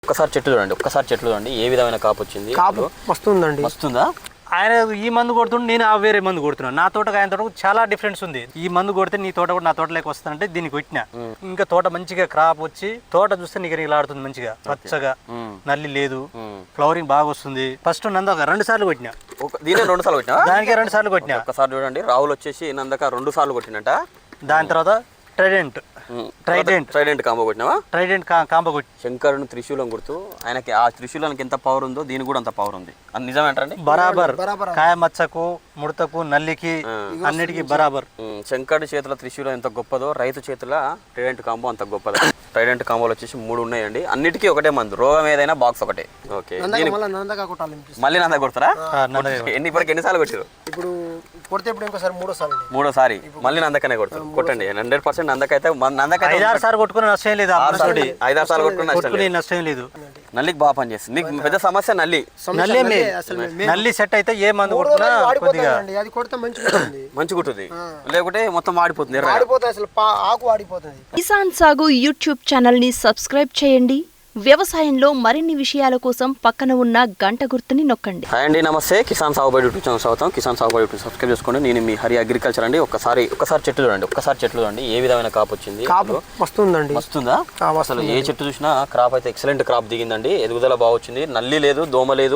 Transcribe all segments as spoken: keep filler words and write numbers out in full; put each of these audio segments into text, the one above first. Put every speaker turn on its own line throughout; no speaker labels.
ఒక్కసారి చెట్లు చూడండి, ఒక్కసారి చెట్లు చూడండి ఏ విధమైన కాపు వచ్చింది.
కాపు వస్తుందండి.
వస్తుందా?
ఆయన ఈ మందు కొడుతుంటే నేను ఆ వేరే మందు కొడుతున్నాను. నా తోటకు ఆయన తోటకు చాలా డిఫరెన్స్ ఉంది. ఈ మందు కొడితే నీ తోట కూడా నా తోటలోకి వస్తానంటే దీనికి కొట్టినా ఇంకా తోట మంచిగా క్రాప్ వచ్చి తోట చూస్తే నీకు నీలాడుతుంది మంచిగా పచ్చగా, నల్లి లేదు, ఫ్లవరింగ్ బాగా వస్తుంది. ఫస్ట్ నందక రెండు సార్లు కొట్టినా,
దీనే రెండు సార్లు కొట్టినా,
దానికే రెండు సార్లు కొట్టినా.
ఒకసారి చూడండి, రాహుల్ వచ్చేసి నందక రెండు సార్లు కొట్టినట.
దాని తర్వాత ట్రైడెంట్ ట్రైడెంట్
ట్రైడెంట్ కాంబో కొట్టినావా?
ట్రైడెంట్ కాంబో కొట్టి
శంకరుని త్రిశూలం గుర్తు. ఆయనకి ఆ త్రిశూలానికి ఎంత పవర్ ఉందో దీనికి కూడా అంత పవర్ ఉంది. అది నిజమేంటండి?
బరాబర్. కాయ మచ్చకు, ముడతకు, నల్లికి అన్నిటికీ బరాబర్.
శంకరుడి చేతుల త్రిశూలం ఎంత గొప్పదో రైతు చేతుల ట్రైడెంట్ కాంబో అంత గొప్పదో. ట్రైడెంట్ కాంబోలు వచ్చేసి మూడు ఉన్నాయండి. అన్నిటికీ ఒకటే మందు, రోగం ఏదైనా బాక్స్ ఒకటే. ఓకే, మళ్ళీ నంద కొడతారా? ఎన్ని ఇప్పటికి ఎన్నిసార్లు కొట్టారు?
ఇప్పుడు కొడితే ఇప్పుడు ఇంకోసారి మూడోసారి
మూడోసారి మళ్ళీ నందకనే కొడతారు. కొట్టండి, హండ్రెడ్ పర్సెంట్ నందకైతే
ఐదారు సార్లు కొట్టుకుని నష్టం లేదు.
ఐదారు సార్లు కొట్టుకుని
నష్టం లేదు.
నల్లికి బాగా పనిచేస్తుంది. మీకు పెద్ద సమస్య నల్లి.
నల్లి సెట్ అయితే ఏ మందు కొడుతున్నా కొద్దిగా
అది కొడితే మంచిగా
మంచిగా ఉంటుంది, లేకుంటే మొత్తం వాడిపోతుంది.
అసలు ఆకు వాడిపోతుంది.
కిసాన్ సాగు యూట్యూబ్ ఛానల్ ని సబ్స్క్రైబ్ చేయండి. వ్యవసాయంలో మరిన్ని విషయాల కోసం పక్కన ఉన్న గంట గుర్తుని నొక్కండి.
హాయ్ అండి, నమస్తే. కిసాన్ సాగుబడి యూట్యూబ్ ఛానల్ స్వాగతం. కిసాన్ సాగుబడి యూట్యూబ్ సబ్స్క్రైబ్ చేసుకోండి. నేను మీ హరి అగ్రికల్చర్ అండి. ఒక్కసారి ఒక్కసారి చెట్లు చూడండి, ఒక్కసారి చెట్లు చూడండి ఏ విధమైన కాపు వచ్చింది.
కాపు వస్తుందండి.
వస్తుందా? అసలు ఏ చెట్టు చూసినా క్రాప్ అయితే ఎక్సలెంట్ క్రాప్ దిగిందండి. ఎదుగుదల బాగా వచ్చింది. నల్లి లేదు, దోమ లేదు,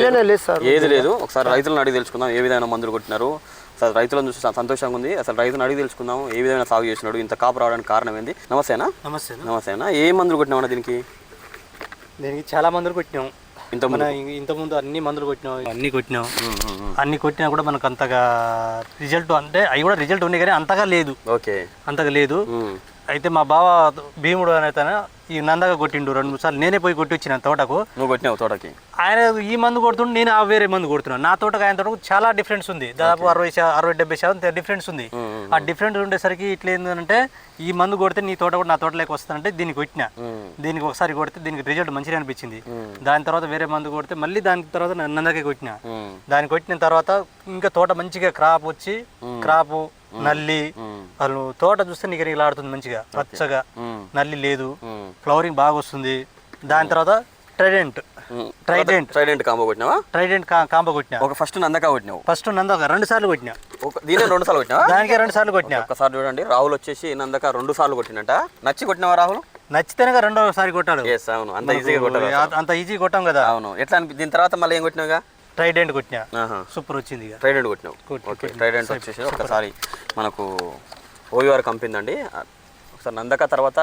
ఏది లేదు. ఒకసారి రైతులను అడిగి తెలుసుకుందాం ఏ విధమైన మందులు కొట్టినారు. అసలు రైతులను చూసి సంతోషంగా ఉంది. అసలు రైతులను అడిగి తెలుసుకుందాం ఏ విధమైన సాగు చేసినాడు, ఇంత కాపు రావడానికి కారణం ఏంది. నమస్తేనా?
నమస్తే.
నమస్తేనా. ఏ మందులు కొట్టినామన్నా దీనికి?
దీనికి చాలా మందులు కొట్టినాం.
ఇంత
ఇంతకుముందు అన్ని మందులు కొట్టినాం, అన్ని కొట్టినాం. అన్ని కొట్టినా కూడా మనకు అంతగా రిజల్ట్ అంటే అవి కూడా రిజల్ట్ ఉన్నాయి కానీ అంతగా లేదు.
ఓకే,
అంతగా లేదు. అయితే మా బావ భీముడు అనేది ఈ నందగా కొట్టిండు రెండు మూడు సార్లు. నేనే పోయి కొట్టి వచ్చిన తోటకు.
నువ్వు కొట్టినావు తోటకి?
ఆయన ఈ మందు కొడుతుంటే నేను ఆ వేరే మందు కొడుతున్నాను. నా తోటకు ఆయన తోటకు చాలా డిఫరెన్స్ ఉంది. దాదాపు అరవై అరవై డెబ్బై శాతం డిఫరెన్స్ ఉంది. ఆ డిఫరెన్స్ ఉండేసరికి ఇట్లా ఏంటంటే ఈ మందు కొడితే నీ తోట కూడా నా తోటలోకి వస్తానంటే దీనికి కొట్టినా. దీనికి ఒకసారి కొడితే దీనికి రిజల్ట్ మంచిగా అనిపించింది. దాని తర్వాత వేరే మందు కొడితే మళ్ళీ దాని తర్వాత నందకే కొట్టినా. దాన్ని కొట్టిన తర్వాత ఇంకా తోట మంచిగా క్రాప్ వచ్చి క్రాప్, నల్లి, వాళ్ళు తోట చూస్తే నీకు నీలాడుతుంది మంచిగా పచ్చగా, నల్లి లేదు, ఫ్లవరింగ్ బాగా వస్తుంది. దాని తర్వాత ట్రైడెంట్ ట్రైడెంట్
ట్రైడెంట్ కాంబో కొట్టినావా?
ట్రైడెంట్ కాంబో కొట్టినా.
ఒక ఫస్ట్ నందక కొట్టినావు.
ఫస్ట్ నందక రెండు సార్లు కొట్టినా,
దీనే రెండు సార్లు కొట్టినా,
దానికే రెండు సార్లు కొట్టినా.
ఒకసారి చూడండి, రాహుల్ వచ్చేసి నందక రెండు సార్లు కొట్టినట. నచ్చి కొట్టినావా రాహుల్?
నచ్చితేనే రెండోసారి కొట్టాడు.
అవును, అంత ఈజీగా కొట్టాడు.
అంత ఈజీ కొట్టాం కదా.
అవును. ఎట్లా అనిపి దీని తర్వాత మళ్ళీ ఏం కొట్టినావుగా?
ట్రైడెంట్ కొట్టినా, సూపర్ వచ్చింది.
ట్రైడెంట్ కొట్టినావు. ఓకే, ట్రైడెంట్ వచ్చేసి ఒకసారి మనకు ఓయూఆర్ కంపెనీ అండి. ఒకసారి నందక తర్వాత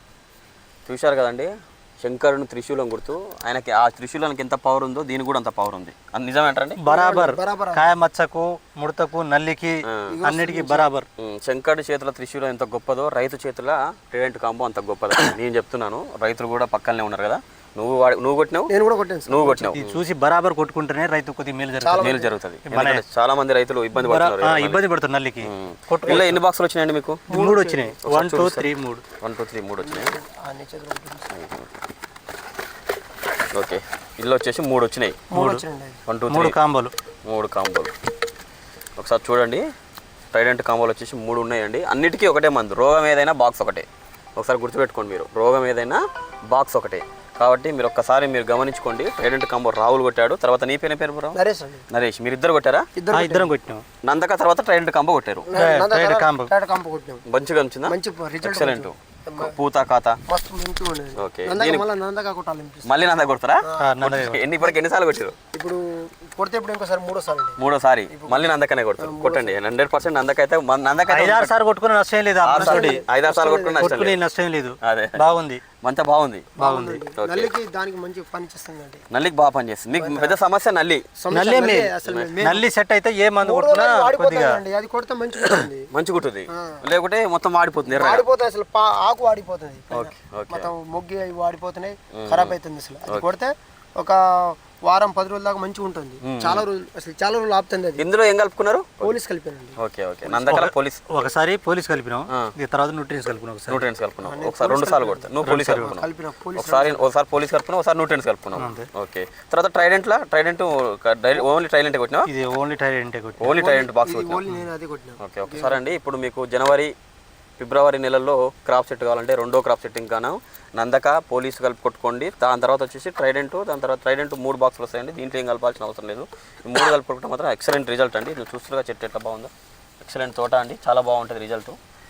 చూశారు కదండి, శంకరుని త్రిశూలం గుర్తు. ఆయనకి ఆ త్రిశూలానికి ఎంత పవర్ ఉందో దీనికి కూడా అంత పవర్ ఉంది. అది నిజమేంటండి?
బరాబర్. కాయ మచ్చకు, ముడతకు, నల్లికి అన్నిటికీ బరాబర్.
శంకరుడి చేతుల త్రిశూలం ఎంత గొప్పదో రైతు చేతుల ట్రైడెంట్ కాంబో అంత గొప్పదో నేను చెప్తున్నాను. రైతులు కూడా పక్కనే ఉన్నారు కదా. నువ్వు నువ్వు కొట్టినావు,
నేను కూడా కొట్టాను.
నువ్వు కొట్టినావు.
చూసి బరాబర్ కొట్టుకుంటేనే రైతు కొద్దిగా మేలు జరుగుతుంది.
మేలు జరుగుతుంది. చాలా మంది రైతులు ఇబ్బంది పడుతున్నారు,
ఇబ్బంది పడుతున్నారు నల్లికి.
ఇలా ఎన్ని బాక్సులు వచ్చినాయండి మీకు?
మూడు వచ్చినాయి. వన్ టూ త్రీ మూడు
వన్ టూ త్రీ మూడు వచ్చినాయి. ఓకే, ఇల్లు వచ్చేసి మూడు వచ్చినాయి. వన్ టూ
మూడు కాంబోలు
మూడు కాంబోలు ఒకసారి చూడండి. ట్రైడెంట్ కాంబోలు వచ్చేసి మూడు ఉన్నాయండి. అన్నిటికీ ఒకటే మందు, రోగం ఏదైనా బాక్స్ ఒకటే. ఒకసారి గుర్తుపెట్టుకోండి మీరు, రోగం ఏదైనా బాక్స్ ఒకటే. కాబట్టి మీరు ఒక్కసారి మీరు గమనించుకోండి. ట్రైడెంట్ కాంబో రాహుల్ కొట్టాడు. తర్వాత నీ పేరు పేరు
నరేష్.
నరేష్, మీరు ఇద్దరు కొట్టారా?
ఇద్దరం కొట్టాం.
నందక తర్వాత ట్రైడెంట్ కాంబో కొట్టారు. మంచిగా వచ్చిందా? ఎక్సలెంట్. పూత ఖాతా ఓకే. మళ్ళీ నంద కొడతారా? ఎన్ని ఇప్పటికి ఎన్నిసార్లు కొట్టారు?
ఇప్పుడు కొడితే ఇప్పుడు ఇంకోసారి మూడోసారి
మూడోసారి మళ్ళీ నందకనే కొడతారు. కొట్టండి, హండ్రెడ్ పర్సెంట్ నందకైతే నందక
ఐదారు సార్లు కొట్టుకుని నష్టం లేదు.
ఐదారు సార్లు కొట్టుకుని
నష్టం లేదు.
అదే
బాగుంది,
మంత బాగుంది
బాగుంది.
నల్లికి దానికి మంచి పని చేస్తుంది.
నల్లికి బాగా పని చేస్తుంది. మీకు పెద్ద సమస్య నల్లి.
నల్లి సెట్ అయితే ఏ మందు కొడుతున్నా కొద్దిగా
అది కొడితే మంచిగా
మంచిగా ఉంటుంది, లేకుంటే మొత్తం వాడిపోతుంది.
వాడిపోతుంది, అసలు ఆకు వాడిపోతుంది, మొత్తం మొగ్గి అవి వాడిపోతున్నాయి, ఖరాబ్ అవుతుంది. అసలు అది కొడితే ఒక వారం పది రోజుల దాకా మంచిగా ఉంటుంది. చాలా రోజులు అసలు చాలా రోజులు ఆపుతుంది. అది
ఇందులో ఏం కలుపుకున్నారు?
పోలీస్ కలిపానండి.
Okay okay. నందకల పోలీస్
ఒకసారి పోలీస్ కలిపినాం, తర్వాత న్యూట్రియన్స్ కలిపినాం. ఒకసారి
న్యూట్రియన్స్ కలుపుకున్నాం. ఒకసారి రెండు సార్లు కొడతా. నువ్వు పోలీస్ కలుపుకున్నావు. ఒకసారి ఒకసారి పోలీస్ కలుపుకున్నావు, ఒకసారి న్యూట్రియన్స్ కలుపుకున్నావు. ఓకే. తర్వాత ట్రైడెంట్ లా ట్రైడెంట్ ఓన్లీ ట్రైడెంట్ కొట్టినా?
ఇది only trident
only trident box
only నేను అది కొట్టినా.
ఓకే. ఒకసారి అండి, ఇప్పుడు మీకు జనవరి ఫిబ్రవరి నెలల్లో క్రాప్ సెట్ కావాలంటే రెండో క్రాప్ సెట్టింగ్ గాను నందక పోలీసు కలిపి కొట్టుకోండి. దాని తర్వాత వచ్చేసి ట్రైడెంట్, దాని తర్వాత ట్రైడెంట్ మూడు బాక్సులు వస్తాయండి. దీంట్లో ఏం కలపాల్సిన అవసరం లేదు. ఈ మూడు కలిపి కొట్టుకుంటే మాత్రం ఎక్సలెంట్ రిజల్ట్ అండి. నువ్వు చూస్తుగా చెట్టు ఎట్లా బాగుందో, ఎక్సలెంట్ తోట అండి, చాలా బాగుంటుంది రిజల్ట్.